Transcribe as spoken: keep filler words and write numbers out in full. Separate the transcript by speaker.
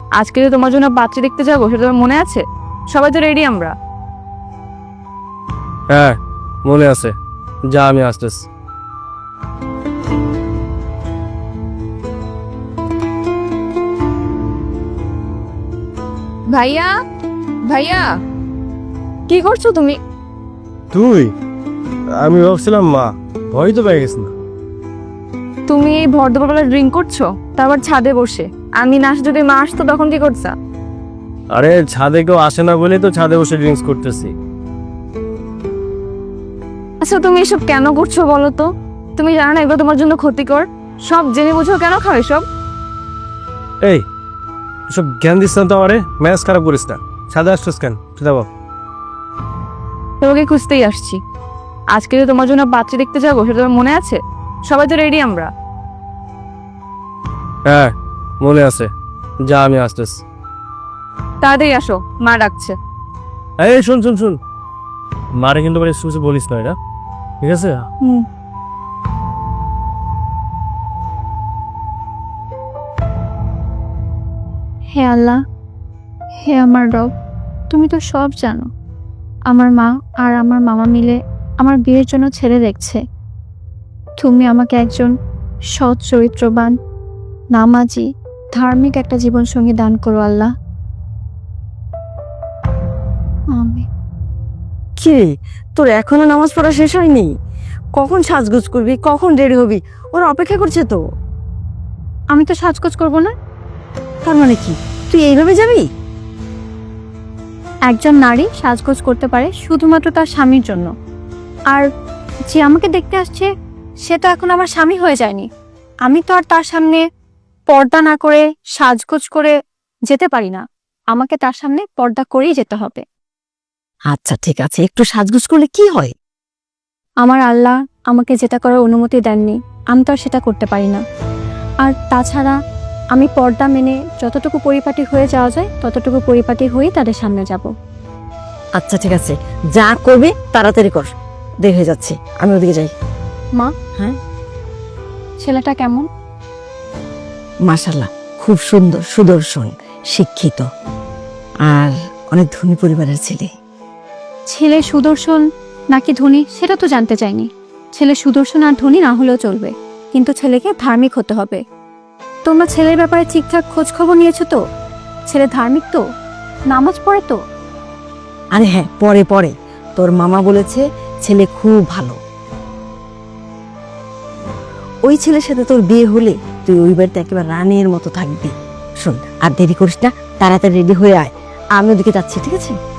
Speaker 1: আজকে যে তোমার জন্য পাত্রী দেখতে যাবো সেটা তোমার মনে আছে? সবাই তো রেডি আমরা।
Speaker 2: হ্যাঁ মনে আছে, যা আমি আসতেছি।
Speaker 1: ভাইয়া, ভাইয়া, কি করছো তুমি?
Speaker 2: তুই? আমি ভাবছিলাম মা, ভয় তো পেয়ে গেছি না।
Speaker 1: তুমি এই ভর দুপুরবেলা ড্রিঙ্ক করছো, তারপর ছাদে বসে। আমি না আসে যদি মা আসতো তখন কি করছা?
Speaker 2: আরে ছাদে কেউ আসে না বলেই তো ছাদে বসে ড্রিঙ্কস করতেছি।
Speaker 1: আচ্ছা তুমি এসব কেন করছো বলো তো? তুমি জানো না এগুলো তোমার জন্য ক্ষতিকর? সব জেনে বুঝো কেন খাও এসব?
Speaker 2: এই এসব জ্ঞান দিস না তো আমারে, ম্যাচ খারাপ করিস না। ছাদে আসছিস কেন সেটা বল।
Speaker 1: তোমাকে খুঁজতেই আসছি। আজকে যে তোমার জন্য পাত্রী দেখতে যাবো সেটা তোমার মনে আছে? সবাই তো রেডি আমরা।
Speaker 2: হ্যাঁ মনে আছে, যা আমি আসতেছি।
Speaker 1: তাড়াতাড়ি আসো, মা ডাকছে।
Speaker 2: এই শুন শুন শুন, মারে কিন্তু কিছু কিছু বলিস না, এটা ঠিক আছে?
Speaker 1: হুম।
Speaker 3: হে আল্লাহ, হে আমার রব, তুমি তো সব জানো। আমার মা আর আমার মামা মিলে আমার বিয়ের জন্য ছেলে দেখছে। তুমি আমাকে একজন সৎ চরিত্রবান, নামাজি, ধার্মিক একটা জীবনসঙ্গী দান করো আল্লাহ। আমি
Speaker 4: কি রে, তোর এখনো নামাজ পড়া শেষ হয়নি? কখন সাজগোজ করবি, কখন রেডি হবি? ওরা অপেক্ষা করছে তো।
Speaker 3: আমি তো সাজগোজ করব না।
Speaker 4: তার মানে কি, তুই এইভাবে যাবি?
Speaker 3: একজন নারী সাজগোজ করতে পারে শুধুমাত্র তার স্বামীর জন্য। আর যে আমাকে দেখতে আসছে সে তো এখন আমার স্বামী হয়ে যায়নি। আমি তো আর তার সামনে পর্দা না করে সাজগোজ করে যেতে পারি না। আমাকে তার সামনে পর্দা করেই যেতে হবে।
Speaker 4: আচ্ছা ঠিক আছে, একটু সাজগোজ করলে কি হয়?
Speaker 3: আমার আল্লাহ আমাকে যেটা করার অনুমতি দেননি, আমি তো আর সেটা করতে পারি না। আর তাছাড়া আমি পর্দা মেনে যতটুকু পরিপাটি হয়ে যাওয়া যায় ততটুকু পরিপাটি হয়েই তাদের সামনে যাব।
Speaker 4: আচ্ছা ঠিক আছে, যা করবে তাড়াতাড়ি কর, দেরি হয়ে যাচ্ছে, আমি ওদিকে যাই।
Speaker 3: মা,
Speaker 4: হ্যাঁ?
Speaker 3: ছেলেটা কেমন?
Speaker 4: মাশাআল্লাহ, খুব সুন্দর, সুদর্শন, শিক্ষিত আর অনেক ধনী পরিবারের ছেলে।
Speaker 3: ছেলে সুদর্শন নাকি ধনী সেটা তো জানতে চাইনি। ছেলে সুদর্শন আর ধনী না হলেও চলবে, কিন্তু ছেলেকে ধার্মিক হতে হবে। তোমরা ছেলের ব্যাপারে ঠিকঠাক খোঁজ খবর নিয়েছো তো? ছেলে ধার্মিক তো? নামাজ পড়ে তো?
Speaker 4: আরে হ্যাঁ, পরে পরে তোর মামা বলেছে ছেলে খুব ভালো। ওই ছেলের সাথে তোর বিয়ে হলে তুই ওই বাড়িতে একেবারে রানীর মতো থাকবি। শোন, আর দেরি করিস না, তাড়াতাড়ি রেডি হয়ে আয়, আমি ওদিকে যাচ্ছি, ঠিক আছে?